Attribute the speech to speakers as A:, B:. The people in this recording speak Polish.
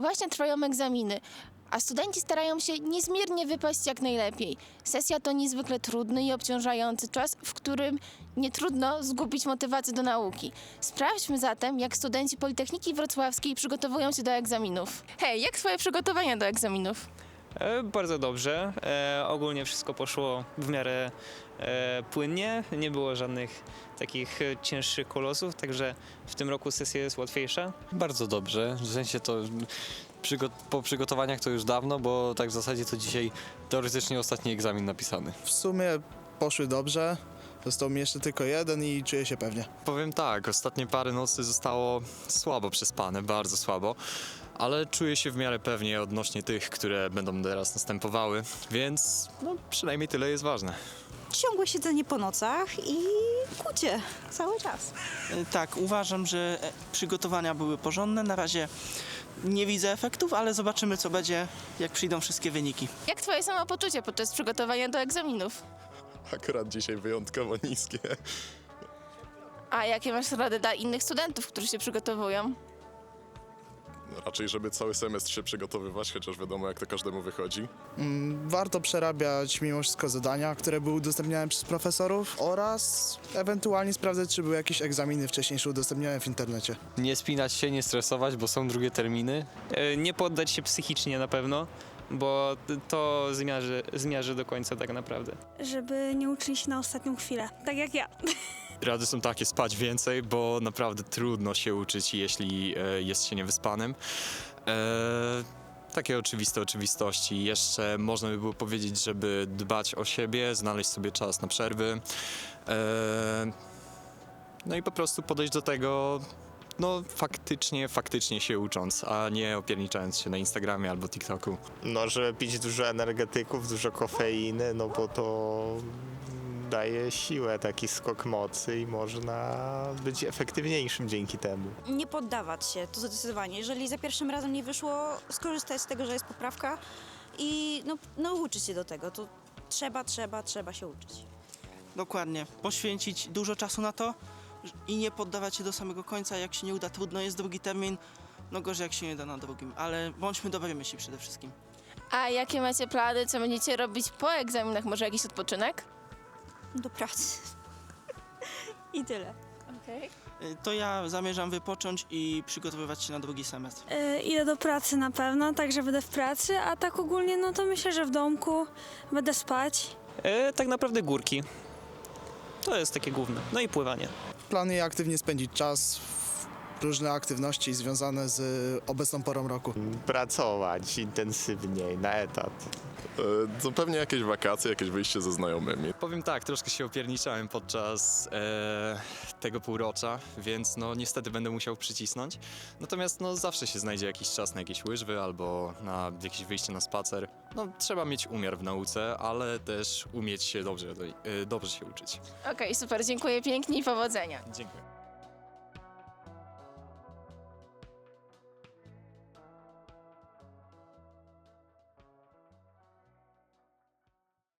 A: Właśnie trwają egzaminy, a studenci starają się niezmiernie wypaść jak najlepiej. Sesja to niezwykle trudny i obciążający czas, w którym nie trudno zgubić motywację do nauki. Sprawdźmy zatem, jak studenci Politechniki Wrocławskiej przygotowują się do egzaminów. Hej, jak twoje przygotowania do egzaminów?
B: Bardzo dobrze. Ogólnie wszystko poszło w miarę płynnie. Nie było żadnych takich cięższych kolosów, także w tym roku sesja jest łatwiejsza.
C: Bardzo dobrze, w sensie to po przygotowaniach to już dawno, bo tak w zasadzie to dzisiaj teoretycznie ostatni egzamin napisany.
D: W sumie poszły dobrze. Został mi jeszcze tylko jeden i czuję się pewnie.
E: Powiem tak, ostatnie parę nocy zostało słabo przespane, bardzo słabo, ale czuję się w miarę pewnie odnośnie tych, które będą teraz następowały, więc no, przynajmniej tyle jest ważne.
F: Ciągłe siedzenie po nocach i kucie cały czas.
G: Tak, uważam, że przygotowania były porządne. Na razie nie widzę efektów, ale zobaczymy, co będzie, jak przyjdą wszystkie wyniki.
A: Jak twoje samopoczucie podczas przygotowania do egzaminów?
H: Akurat dzisiaj wyjątkowo niskie.
A: A jakie masz rady dla innych studentów, którzy się przygotowują?
H: Raczej, żeby cały semestr się przygotowywać, chociaż wiadomo, jak to każdemu wychodzi.
D: Warto przerabiać mimo wszystko zadania, które były udostępniane przez profesorów oraz ewentualnie sprawdzać, czy były jakieś egzaminy wcześniejsze udostępnione w internecie.
C: Nie spinać się, nie stresować, bo są drugie terminy.
B: Nie poddać się psychicznie na pewno, bo to zmiarzy do końca tak naprawdę.
I: Żeby nie uczyli się na ostatnią chwilę, tak jak ja.
E: Rady są takie, spać więcej, bo naprawdę trudno się uczyć, jeśli jest się niewyspanym. Takie oczywiste oczywistości. Jeszcze można by było powiedzieć, żeby dbać o siebie, znaleźć sobie czas na przerwy. No i po prostu podejść do tego, no faktycznie się ucząc, a nie opierniczając się na Instagramie albo TikToku.
J: No, żeby pić dużo energetyków, dużo kofeiny, no bo to daje siłę, taki skok mocy i można być efektywniejszym dzięki temu.
F: Nie poddawać się, to zdecydowanie. Jeżeli za pierwszym razem nie wyszło, skorzystać z tego, że jest poprawka i nauczyć się do tego. To trzeba się uczyć.
G: Dokładnie. Poświęcić dużo czasu na to i nie poddawać się do samego końca. Jak się nie uda, trudno, jest drugi termin. No gorzej, jak się nie da na drugim. Ale bądźmy dobrej myśli przede wszystkim.
A: A jakie macie plany, co będziecie robić po egzaminach? Może jakiś odpoczynek?
F: Do pracy. I tyle.
A: Okej.
G: To ja zamierzam wypocząć i przygotowywać się na drugi semestr.
I: Idę do pracy na pewno, także będę w pracy, a tak ogólnie no to myślę, że w domku będę spać.
B: Tak naprawdę górki. To jest takie główne. No i pływanie.
D: Planuję aktywnie spędzić czas w różne aktywności związane z obecną porą roku.
J: Pracować intensywniej, na etat.
H: To pewnie jakieś wakacje, jakieś wyjście ze znajomymi.
E: Powiem tak, troszkę się opierniczałem podczas tego półrocza, więc no niestety będę musiał przycisnąć. Natomiast no zawsze się znajdzie jakiś czas na jakieś łyżwy albo na jakieś wyjście na spacer. No trzeba mieć umiar w nauce, ale też umieć się dobrze się uczyć.
A: Okej, super, dziękuję pięknie i powodzenia.
E: Dziękuję.